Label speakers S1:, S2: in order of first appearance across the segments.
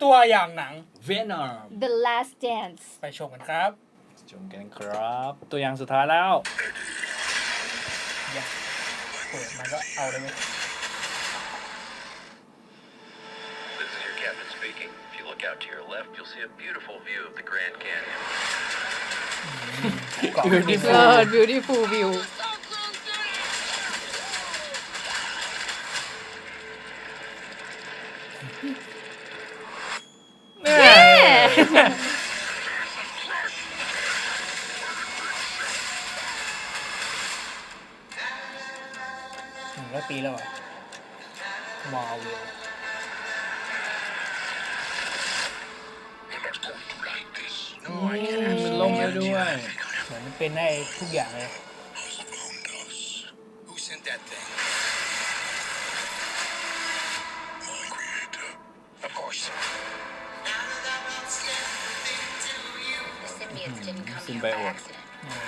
S1: ตัวอย่างหนัง
S2: Venom
S3: The Last Dance
S1: ไปชมกันครับ
S2: ชมกันครับ ตัวอย่างสุดท้ายแล้ว
S1: เปิดมันก็เอาเลยเว้ย
S4: This is your captain speaking. If you look out to your left, you'll see a beautiful view of the Grand Canyon.
S3: Beautiful view
S1: 100 ปีแล้วอ่ะมาเวล
S2: มันลงไปด้วย
S1: เหมือนมันเป็นได้ทุกอย่างเลย
S4: Who sent that thing? My creator. Of course.
S5: The symbiotes didn't come here by
S2: Symbiote.
S5: accident.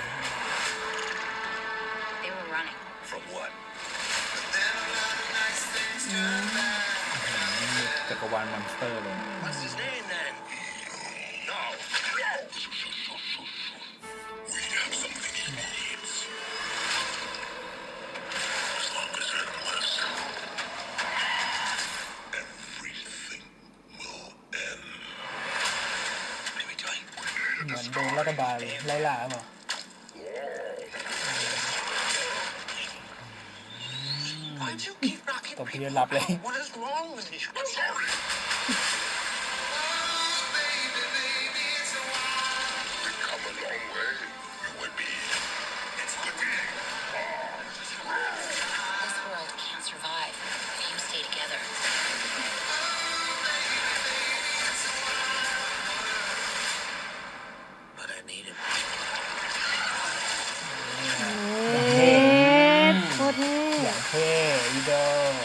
S5: They were running.
S4: From what?
S2: จักรวาลมอนสเตอร์เลย
S4: What's his name then? No. We have something he needs. As long as it lives, everything will end. What are we doing?
S1: เหมือนโดนรัฐบาลไล่ล่าเปล่า
S4: Why do you keep knocking
S1: ตบที
S4: people
S1: เดียวหลับเลย
S4: out? What is wrong with you? I'm sorry. We've come a long way, you and me. It's good.
S5: This world can't survive if you stay together.
S4: But I need him.
S3: โคตรเท่
S1: อย่างเท่อีโด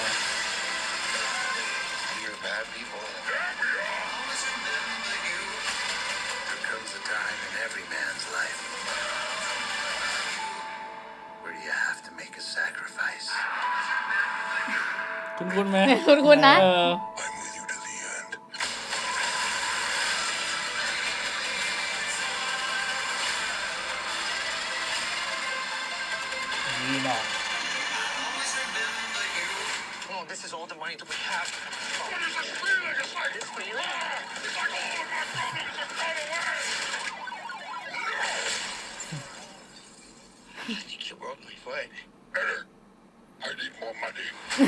S4: You're bad people. There comes a time in every man's life where you have to make a sacrifice.
S2: คุ้นๆไหม
S3: คุ้นๆนะ
S2: เออ
S4: I'm with you to the end.
S1: นี่หน่อย
S4: Oh, this is all the money that we have. What is this feeling? It's like this feeling. It's like all of my problems have gone away. I think you broke my foot. I need more money.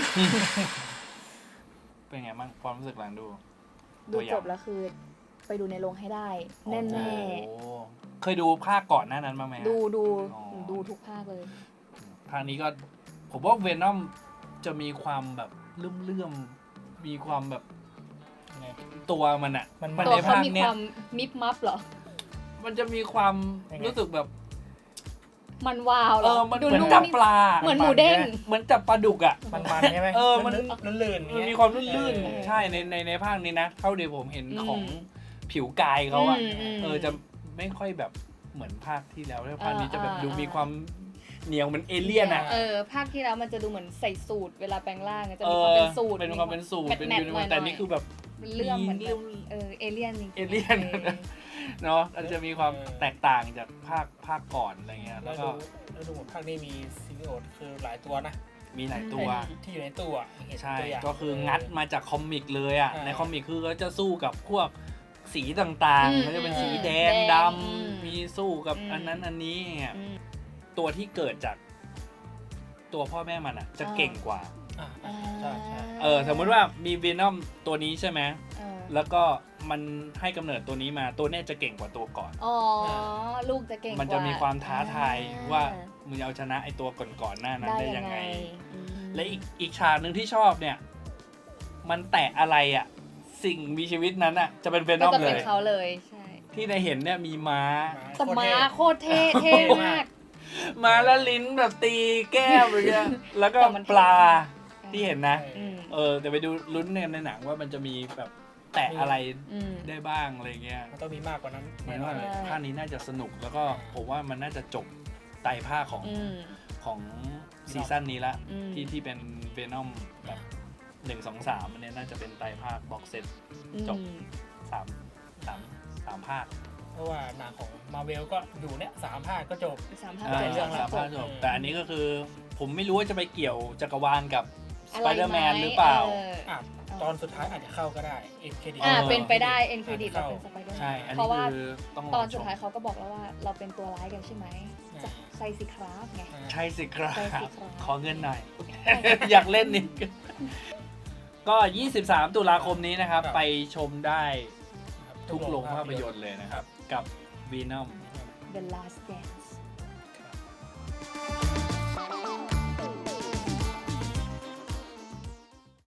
S2: เป็นไงบ้างความรู้สึกหลังดู
S3: ดูจบแล้วคือ ไปดูในโรงให้ได้ แน่
S2: โอ้เคยดูภาคก่อนหน้านั้นบ้างไหมฮะ
S3: ๆดูดู
S2: อ๋อ
S3: ดูทุกภาคเลย
S2: ภาคนี้ก็ผมว่าเวนอมจะมีความแบบเลื่อมๆมีความแบบ
S1: ไง
S2: ตัวมันอะ
S1: มัน
S2: มัน
S3: ตัว
S2: ใน
S3: เขา
S2: ภาค
S3: มี
S2: เนี้
S3: ควาย มมิบมับเหรอ
S2: มันจะมีความ
S1: ยังไง
S2: รู้สึกแบบ
S3: มันวาวเหรอ
S2: มัน
S3: ดู
S2: เหมือน
S3: นุ่ม
S2: จับ
S3: นี่
S2: ปลา
S3: เหมือนหมูเด้ง
S2: เหมือนจับปลาดุกอะ
S1: มันใช่ไหม
S2: มัน
S1: ลื่นๆ
S2: มันมีความลื่นๆใช่ในภาคนี้นะเท่าที่ผมเห็นของผิวกายเขาอะจะไม่ค่อยแบบเหมือนภาคที่แล้วภาคนี้จะแบบดูมีความเหนียวเหมือนเอเลี่ยนอะ
S3: ภาคที่แล้วมันจะดูเหมือนใส่สูตรเวลาแปลงร่างอะจะมีความเป็นสูตร
S2: เป็นความเป็นสูตรเป็น
S3: แมทๆหน่อยๆ
S2: แต่นี่คือแบบ
S3: เรื่องเหมือน
S2: เรื่อง
S3: เอเลี่ยนจริงๆ
S2: เอเลี่ยน เนาะมันจะมีความแตกต่างจากภาคก่อนอะไรเงี้ย
S1: แล้
S2: แล้ว ว
S1: ดู
S2: ก็
S1: แล้วดูเหมือนภาคนี้มีซีรีส์คือหลายตัวนะ
S2: มีหลายตัว
S1: ที่อยู่ในตู้อ่ะเห็น
S2: ใช่
S1: ตัวอย่าง
S2: ก็คืองัดมาจากคอมิกเลยอ่ะ
S1: อ่า
S2: ในคอมิกคือก็จะสู้กับพวกสีต่างๆมันจะเป็นสีแดงดำมีสู้กับอันนั้นอันนี้เนี่ย
S3: อืม
S2: ตัวที่เกิดจากตัวพ่อแม่มันอ่ะจะเก่งกว่า
S1: อ่าใช่ใช่
S2: สมมติว่ามีวีนอมตัวนี้ใช่ไหม
S3: เออ
S2: แล้วก็มันให้กำเนิดตัวนี้มาตัวเนี้ยจะเก่งกว่าตัวก่อน
S3: อ๋อลูกจะเก่งกว่า
S2: มันจะมีความท้าทาย
S3: อ่
S2: ว่ามึงจะเอาชนะไอตัวก่อนๆหน้านั้นได้ยังไง
S3: อืม
S2: และอีกฉากหนึ่งที่ชอบเนี่ย มันแตะอะไรอ่ะ สิ่งมีชีวิตนั้นอ่ะ จะเป็นเวน
S3: ก็
S2: อม
S3: จะ
S2: เล
S3: เป็น
S2: ย
S3: เขาเลยใช่
S2: ที่ในเห็นเนี่ยมีม้า
S3: แต่ม้าโคตรเท่เท่มาก
S2: ม้าแล้วลิ้นแบบตีแก้มอะไรเงี้ยแล้วก็
S3: แต่มัน
S2: ปลา
S3: ใช่
S2: ที่เห็นนะ
S3: อืม
S2: แต่ไปดูลุ้นในหนังว่ามันจะมีแบบแตะอะไร
S3: อืม
S2: ได้บ้างอะไรเงี้ย
S1: มันต้องมีมากกว่านั้น
S2: หมายว่า
S3: ใช่
S2: ภาคนี้น่าจะสนุกแล้วก็ผมว่ามันน่าจะจบไตรภาคของ
S3: อืม
S2: ของซีซั่นนี้ละ
S3: อืม
S2: ที่เป็นเวนอมแบบ 1 2 3อันเนี้ยน่าจะเป็นไตรภาคบ็อกเซต จบ 3 ภาค
S1: เพราะว่าหนังของมาเวลก็อยู่เนี่ย3 ภาคก็จบ
S3: สามภาค
S1: เรื่อง
S2: สามภาคจบ
S1: จบ
S2: แต่อันนี้ก็คือผมไม่รู้ว่าจะไปเกี่ยวจักรวาลกับส
S3: อะไร
S2: ไป
S3: ไห
S2: เดอร์แมนหรือเปล่า
S1: อ่ะตอนสุดท้ายอาจจะเข้าก็ได้เอ็นเครดิต
S3: เป็นไปได้เอ็นเครดิตเราเป็นสไปเดอร์แม
S2: ใช่
S3: น
S2: อัน
S3: เพ
S2: นี้
S3: ราะว่า
S2: คือต้อง
S3: ต
S2: ร
S3: อ
S2: อน ช
S3: สุด
S2: ม
S3: ท้ายเขาก็บอกแล้วว่าเราเป็นตัวร้ายกันใช่ไหม
S1: อ่า
S3: ใช่สิครับไง
S2: ใช่สิครับ
S3: ใช่สิครับ
S2: ขอเงินหน่อย อยากเล่นนี่ ก็ 23 ตุลาคมนี้นะครับ
S1: ครับ
S2: ไปชมได้ทุกโรงภาพยนตร์เลยนะครับ กับ Venom
S3: The Last Dance